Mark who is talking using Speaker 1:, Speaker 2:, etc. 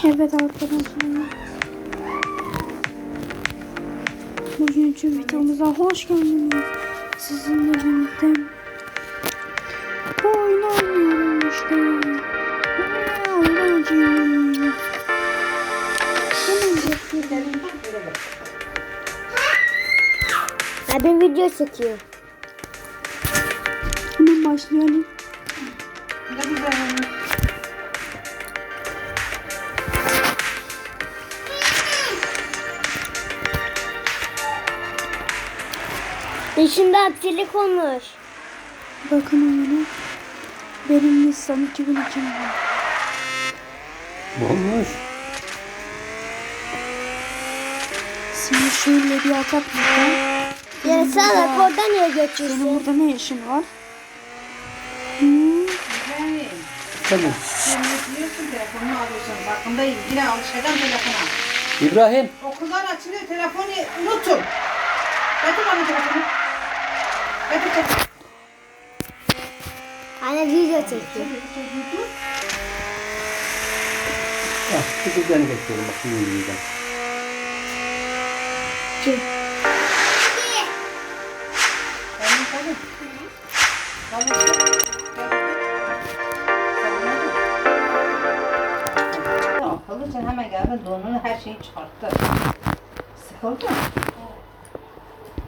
Speaker 1: Evet arkadaşlar. Bugünkü videomuza hoş geldiniz. Sizinle birlikte oyun oynuyorum işte. Oynayacağım.
Speaker 2: Abi video çekiyor.
Speaker 1: Hemen başlayalım.
Speaker 2: Dışında aksilik olmuş.
Speaker 1: Bakın öyle. Benim Nissan 2002 var.
Speaker 3: Olmuş.
Speaker 1: Şimdi şöyle bir atak burada.
Speaker 2: Ya sen orada niye geçiyorsun?
Speaker 1: Senin burada ne işin var?
Speaker 3: Tabii.
Speaker 4: Diyorsun telefonunu alıyorsun. Farkındayım. Yine alışacağım telefona.
Speaker 3: İbrahim.
Speaker 4: Okullar açılıyor. Telefonu unutun. Getir bana telefonu. Getir.
Speaker 2: Anne video çekiyor.
Speaker 3: Ah, kızılcanı bekliyorum. Bak şimdi yiyeceğim.
Speaker 4: Akıllı sen hemen geldin donunu her şeyi çıkarttı. Sıkıldı.